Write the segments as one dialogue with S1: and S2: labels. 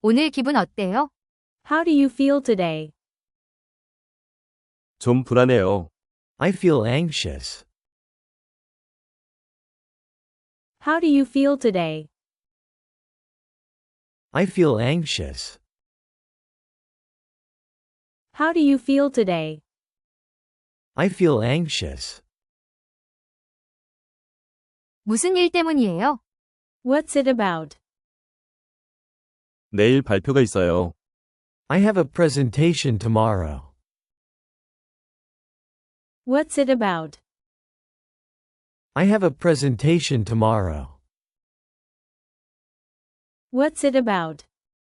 S1: 오늘 기분 어때요?
S2: How do you feel today?
S3: 좀 불안해요.
S4: I feel anxious.
S2: How do you feel today?
S4: I feel anxious.
S2: How do you feel today?
S4: I feel anxious.
S1: 무슨 일 때문이에요?
S2: What's it about?
S3: 내일 발표가 있어요.
S4: I have a presentation tomorrow.
S2: What's it about?
S4: I have a presentation tomorrow.
S2: What's it about?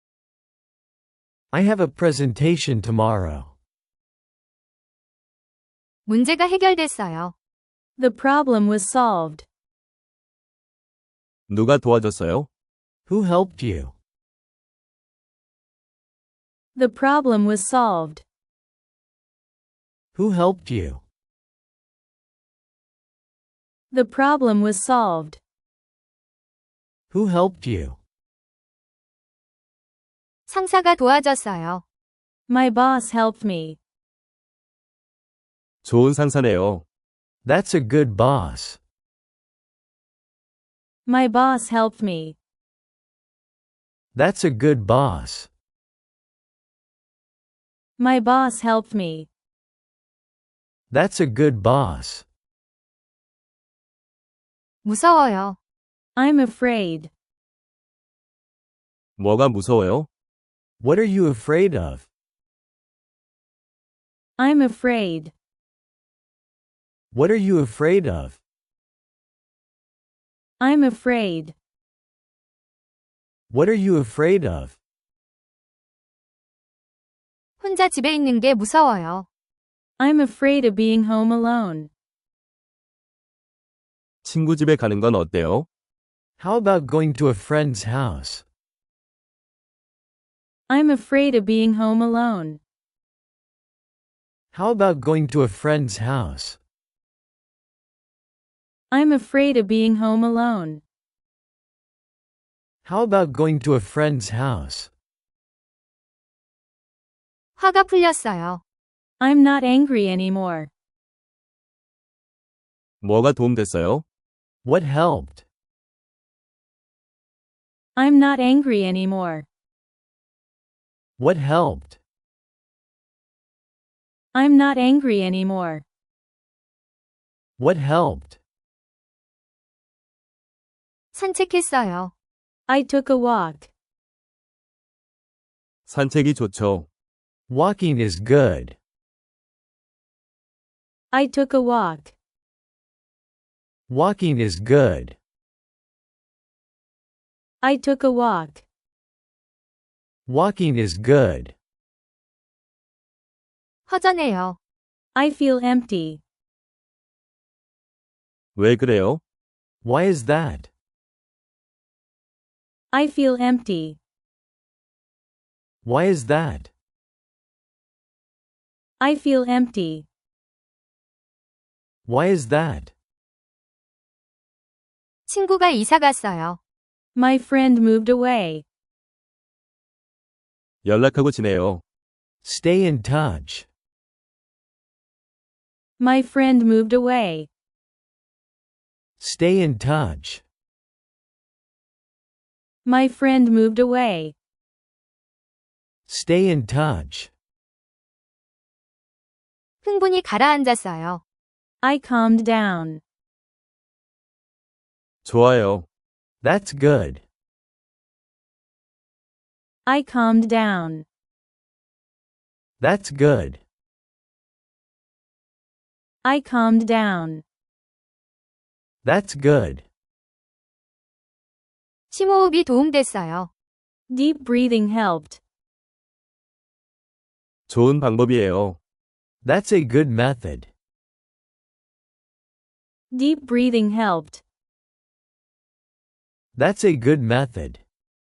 S4: I have a presentation tomorrow.
S1: 문제가 해결됐어요.
S2: The problem was solved.
S3: 누가 도와줬어요?
S4: Who helped you?
S2: The problem was solved.
S4: Who helped you?
S2: The problem was solved.
S4: Who helped you?
S1: 상사가 도와줬어요.
S2: My boss helped me.
S3: 좋은 상사네요.
S4: That's a good boss.
S2: My boss helped me.
S4: That's a good boss.
S2: My boss helped me.
S4: That's a good boss.
S1: 무서워요.
S2: I'm afraid.
S3: 뭐가 무서워요?
S4: What are you afraid of?
S2: I'm afraid.
S4: What are you afraid of?
S2: I'm afraid.
S4: What are you afraid of?
S1: 혼자 집에 있는 게 무서워요.
S2: I'm afraid of being home alone.
S3: 친구 집에 가는 건 어때요?
S4: How about going to a friend's house?
S2: I'm afraid of being home alone.
S4: How about going to a friend's house?
S2: I'm afraid of being home alone.
S4: How about going to a friend's house?
S1: 화가 풀렸어요.
S2: I'm not angry anymore.
S3: 뭐가 도움됐어요?
S4: What helped?
S2: I'm not angry anymore.
S4: What helped?
S2: I'm not angry anymore.
S4: What helped?
S1: 산책했어요.
S2: I took a walk.
S3: 산책이 좋죠.
S4: Walking is good.
S2: I took a walk.
S4: Walking is good.
S2: I took a walk.
S4: Walking is good.
S1: 허전해요.
S2: I feel empty.
S3: 왜 그래요?
S4: Why is that?
S2: I feel empty.
S4: Why is that?
S2: I feel empty.
S4: Why is that?
S1: 친구가 이사 갔어요.
S2: My friend moved away.
S3: 연락하고 지내요.
S4: Stay in touch.
S2: My friend moved away.
S4: Stay in touch.
S2: My friend moved away.
S4: Stay in touch.
S1: 흥분이 가라앉았어요.
S2: I calmed down.
S3: 좋아요.
S4: That's good.
S2: I calmed down.
S4: That's good.
S2: I calmed down.
S4: That's good.
S1: 심호흡이 도움됐어요.
S2: Deep breathing helped.
S3: 좋은 방법이에요.
S4: That's a good method.
S2: Deep breathing helped.
S4: That's a good method.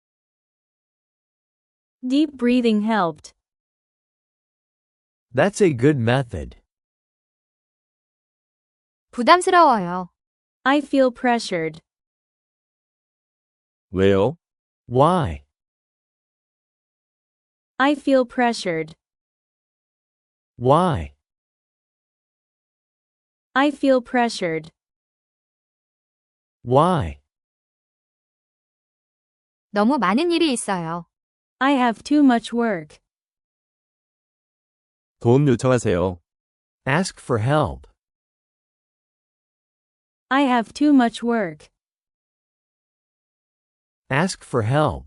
S2: Deep breathing helped.
S4: That's a good method.
S1: 부담스러워요.
S2: I feel pressured.
S3: 왜요?
S4: Why?
S2: I feel pressured.
S4: Why?
S2: I feel pressured.
S4: Why?
S1: 너무 많은 일이 있어요.
S2: I have too much work.
S3: 도움 요청하세요.
S4: Ask for help.
S2: I have too much work.
S4: Ask for help.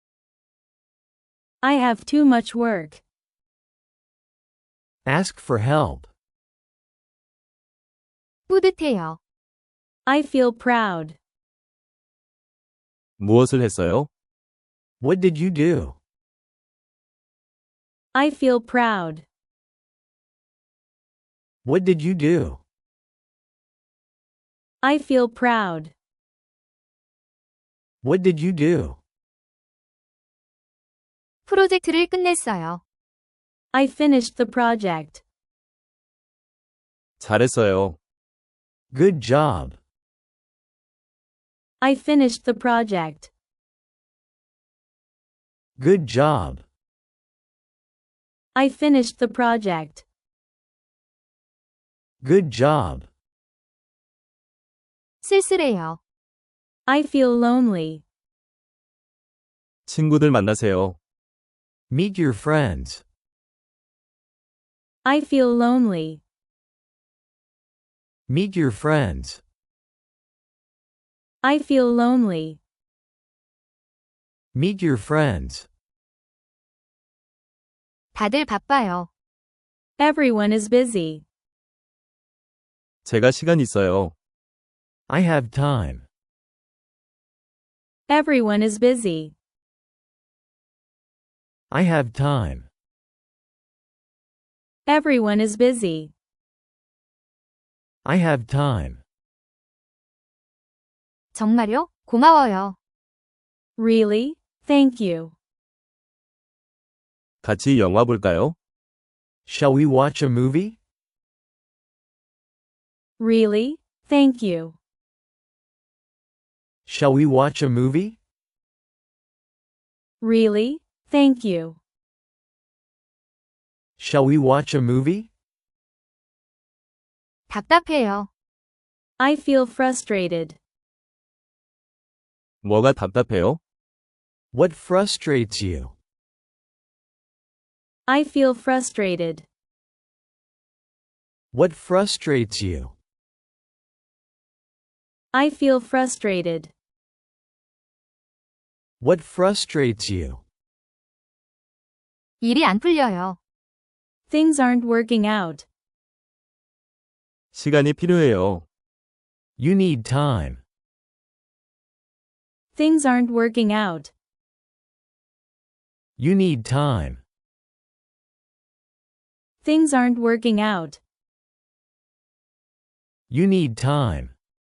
S2: I have too much work.
S4: Ask for help.
S1: 뿌듯해요.
S2: I feel proud.
S3: 무엇을 했어요?
S4: What did you do?
S2: I feel proud.
S4: What did you do?
S2: I feel proud.
S4: What did you do?
S1: 프로젝트를 끝냈어요.
S2: I finished the project.
S3: 잘했어요.
S4: Good job.
S2: I finished the project.
S4: Good job.
S2: I finished the project.
S4: Good job.
S1: 쓸쓸해요.
S2: I feel lonely.
S3: 친구들 만나세요.
S4: Meet your friends.
S2: I feel lonely.
S4: Meet your friends.
S2: I feel lonely.
S4: Meet your friends.
S1: 다들 바빠요.
S2: Everyone is busy.
S3: 제가 시간 있어요.
S4: I have time.
S2: Everyone is busy.
S4: I have time.
S2: Everyone is busy.
S4: I have time.
S1: 정말요? 고마워요.
S2: Really? Thank you.
S3: 같이 영화 볼까요?
S4: Shall we watch a movie?
S2: Really? Thank you.
S4: Shall we watch a movie?
S2: Really? Thank you.
S4: Shall we watch a movie?
S1: 답답해요.
S2: I feel frustrated.
S3: 뭐가 답답해요?
S4: What frustrates you?
S2: I feel frustrated.
S4: What frustrates you?
S2: I feel frustrated.
S4: What frustrates you?
S1: 일이 안 풀려요.
S2: Things aren't working out.
S3: 시간이 필요해요.
S4: You need time.
S2: Things aren't working out.
S4: You need time.
S2: Things aren't working out.
S4: You need time.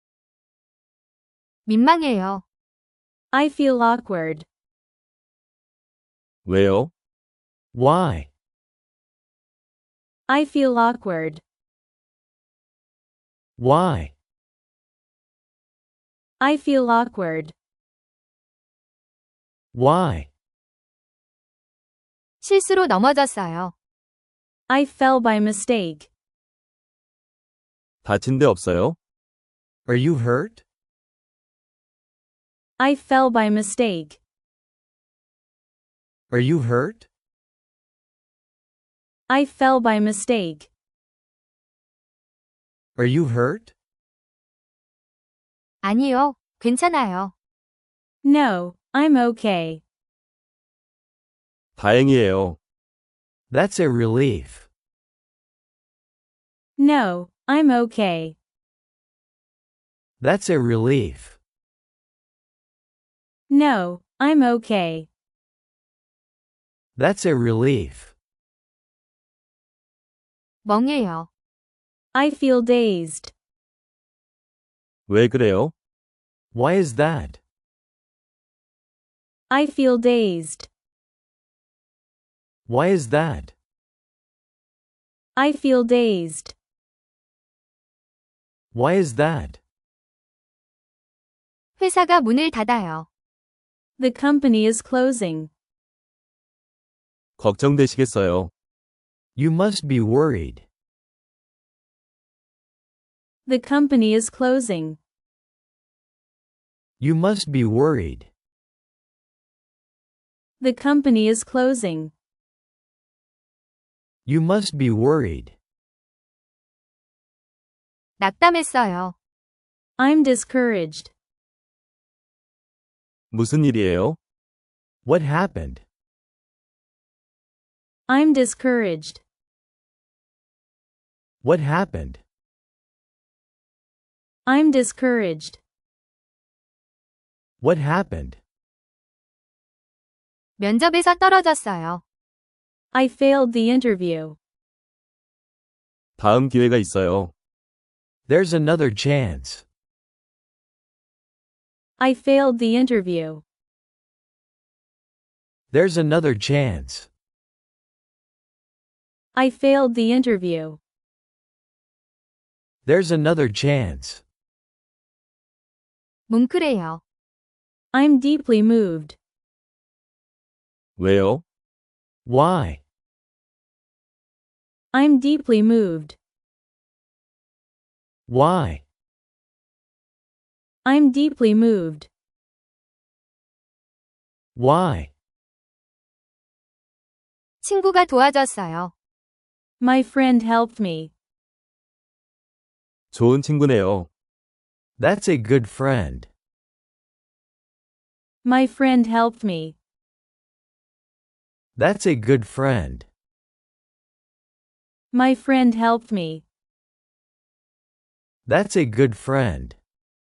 S1: 민망해요.
S2: I feel awkward.
S3: 왜요?
S4: Why?
S2: I feel awkward.
S4: Why?
S2: I feel awkward.
S4: Why?
S1: 실수로 넘어졌어요.
S2: I fell by mistake.
S3: 다친 데 없어요?
S4: Are you hurt?
S2: I fell by mistake.
S4: Are you hurt?
S2: I fell by mistake.
S4: Are you hurt?
S1: 아니요, 괜찮아요.
S2: No, I'm okay.
S3: 다행이에요.
S4: That's a relief.
S2: No, I'm okay.
S4: That's a relief.
S2: No, I'm okay.
S4: That's a relief.
S1: 멍해요.
S2: I feel dazed.
S3: 왜 그래요?
S4: Why is that?
S2: I feel dazed.
S4: Why is that?
S2: I feel dazed.
S4: Why is that?
S1: 회사가 문을 닫아요.
S2: The company is closing.
S3: 걱정되시겠어요.
S4: You must be worried.
S2: The company is closing.
S4: You must be worried.
S2: The company is closing.
S4: You must be worried.
S1: 낙담했어요.
S2: I'm discouraged.
S3: 무슨 일이에요?
S4: What happened?
S2: I'm discouraged.
S4: What happened?
S2: I'm discouraged.
S4: What happened?
S1: 면접에서 떨어졌어요.
S2: I failed the interview.
S3: 다음 기회가 있어요.
S4: There's another chance.
S2: I failed the interview.
S4: There's another chance.
S2: I failed the interview.
S4: There's another chance.
S1: 뭉클해요.
S2: I'm deeply moved.
S3: 왜요?
S4: Why?
S2: I'm deeply moved.
S4: Why?
S2: I'm deeply moved.
S4: Why?
S1: 친구가 도와줬어요.
S2: My friend helped me.
S3: 좋은 친구네요.
S4: That's a good friend.
S2: My friend helped me.
S4: That's a good friend.
S2: My friend helped me.
S4: That's a good friend.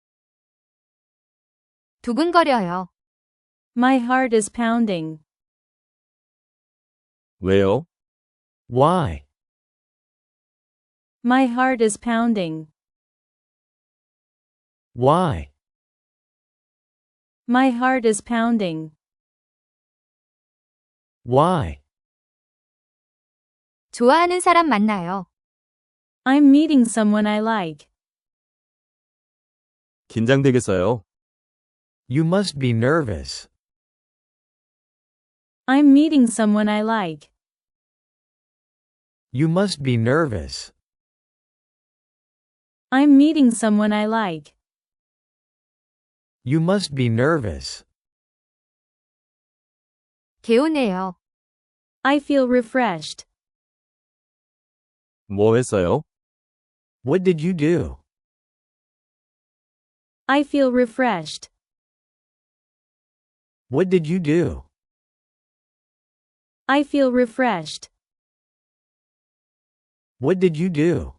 S1: 두근거려요.
S2: My heart is pounding.
S3: 왜요?
S4: Why?
S2: My heart is pounding.
S4: Why?
S2: My heart is pounding.
S4: Why?
S1: 좋아하는 사람 만나요.
S2: I'm meeting someone I like.
S3: 긴장되겠어요.
S4: You must be nervous.
S2: I'm meeting someone I like.
S4: You must be nervous.
S2: I'm meeting someone I like.
S4: You must be nervous.
S1: 개운해요.
S2: I feel refreshed.
S3: 뭐 했어요?
S4: What did you do?
S2: I feel refreshed.
S4: What did you do?
S2: I feel refreshed.
S4: What did you do?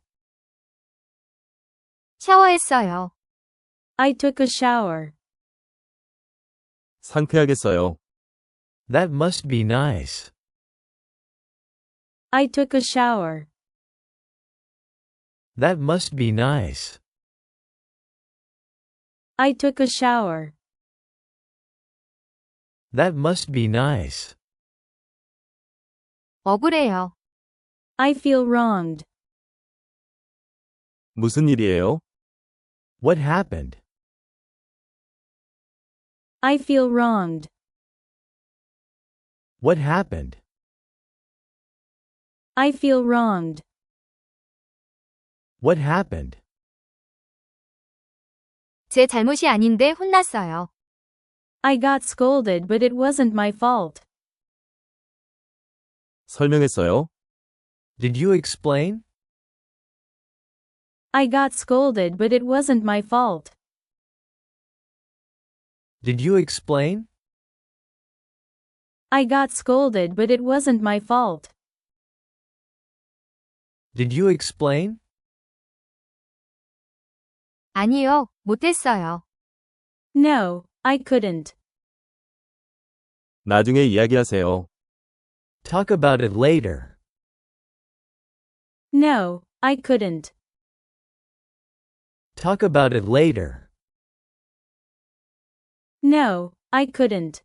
S1: 샤워했어요.
S2: I took a shower.
S3: 상쾌하겠어요.
S4: That must be nice.
S2: I took a shower.
S4: That must be nice.
S2: I took a shower.
S4: That must be nice.
S1: 억울해요.
S2: I feel wronged.
S3: 무슨 일이에요?
S4: What happened?
S2: I feel wronged.
S4: What happened?
S2: I feel wronged.
S4: What happened?
S1: 제 잘못이 아닌데 혼났어요.
S2: I got scolded, but it wasn't my fault.
S3: 설명했어요?
S4: Did you explain?
S2: I got scolded, but it wasn't my fault.
S4: Did you explain?
S2: I got scolded, but it wasn't my fault.
S4: Did you explain?
S1: 아니요, 못했어요.
S2: No, I couldn't.
S3: 나중에 이야기하세요.
S4: Talk about it later.
S2: No, I couldn't.
S4: Talk about it later.
S2: No, I couldn't.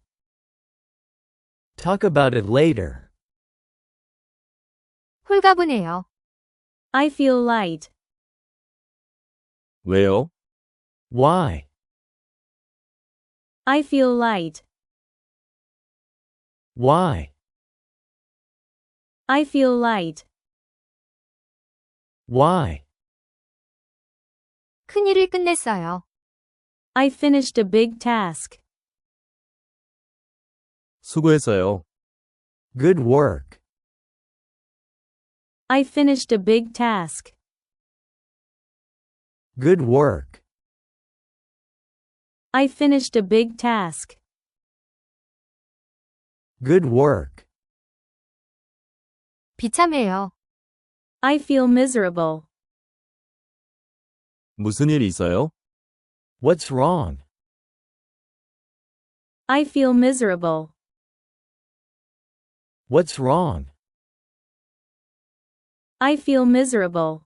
S4: Talk about it later.
S1: 홀가분해요.
S2: I feel light.
S3: 왜요?
S4: Why?
S2: I feel light.
S4: Why?
S2: I feel light.
S4: Why?
S1: 큰일을 끝냈어요.
S2: I finished a big task.
S3: 수고했어요.
S4: Good work.
S2: I finished a big task.
S4: Good work.
S2: I finished a big task.
S4: Good work.
S1: 비참해요.
S2: I feel miserable.
S3: 무슨 일 있어요?
S4: What's wrong?
S2: I feel miserable.
S4: What's wrong?
S2: I feel miserable.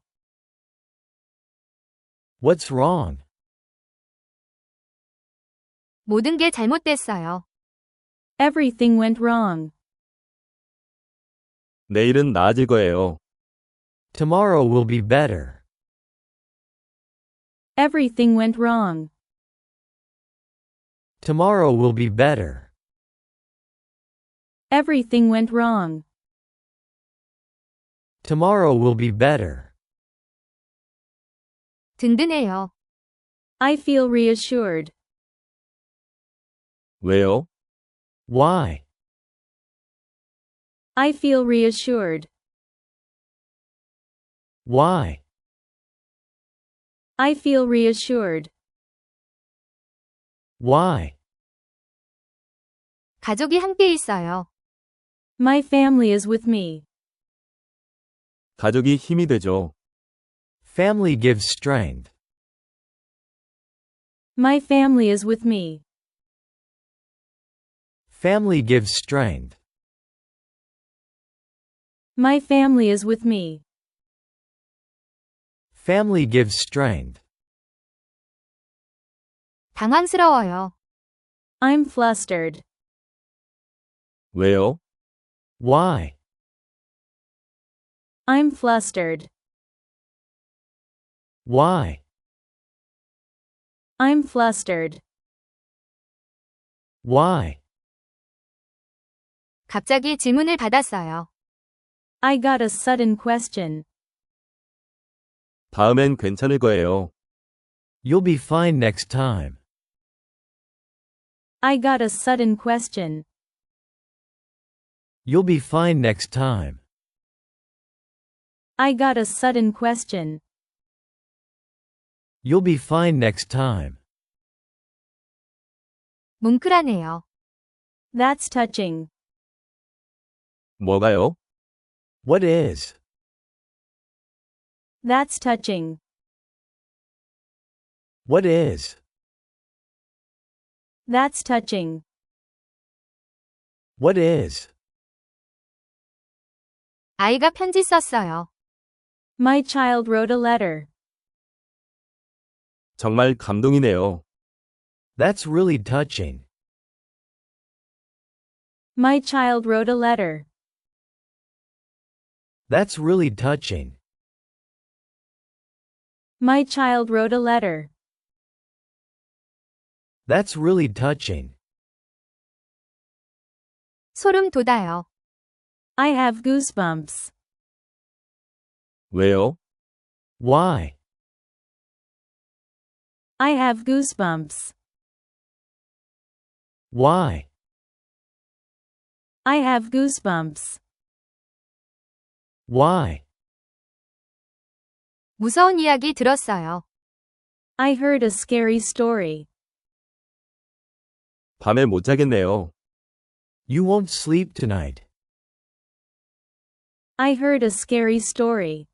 S4: What's wrong?
S1: 모든 게 잘못됐어요.
S2: Everything went wrong.
S3: 내일은 나아질 거예요.
S4: Tomorrow will be better.
S2: Everything went wrong.
S4: Tomorrow will be better.
S2: Everything went wrong.
S4: Tomorrow will be better.
S1: 든든해요.
S2: I feel reassured.
S3: 왜요?
S4: Why?
S2: I feel reassured.
S4: Why?
S2: I feel reassured.
S4: Why?
S1: 가족이 함께 있어요.
S2: My family is with me.
S3: 가족이 힘이 되죠.
S4: Family gives strength.
S2: My family is with me.
S4: Family gives strength.
S2: My family is with me.
S4: Family gives strength.
S1: 당황스러워요.
S2: I'm flustered.
S3: 왜요?
S4: Why?
S2: I'm flustered.
S4: Why?
S2: I'm flustered.
S4: Why?
S1: 갑자기 질문을 받았어요.
S2: I got a sudden question.
S3: 다음엔 괜찮을 거예요.
S4: You'll be fine next time.
S2: I got a sudden question.
S4: You'll be fine next time.
S2: I got a sudden question.
S4: You'll be fine next time.
S1: 뭉클하네요.
S2: That's touching.
S3: 뭐가요?
S4: What is?
S2: That's touching.
S4: What is?
S2: That's touching.
S4: What is?
S1: 아이가 편지 썼어요.
S2: My child wrote a letter.
S3: 정말 감동이네요.
S4: That's really touching.
S2: My child wrote a letter.
S4: That's really touching.
S2: My child wrote a letter.
S4: That's really touching.
S1: 소름 돋아요.
S2: I have goosebumps.
S3: 왜요?
S4: Why?
S2: I have goosebumps.
S4: Why?
S2: I have goosebumps.
S4: Why?
S1: 무서운 이야기 들었어요.
S2: I heard a scary story.
S3: 밤에 못 자겠네요.
S4: You won't sleep tonight.
S2: I heard a scary story.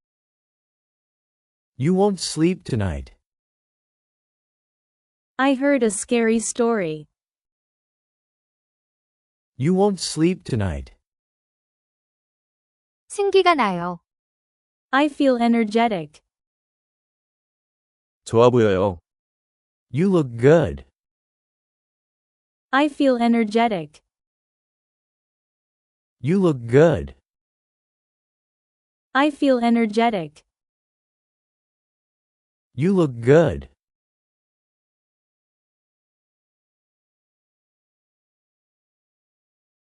S4: You won't sleep tonight.
S2: I heard a scary story.
S4: You won't sleep tonight.
S1: 생기가 나요.
S2: I feel energetic.
S3: 좋아 보여요.
S4: You look good.
S2: I feel energetic.
S4: You look good.
S2: I feel energetic.
S4: You look good.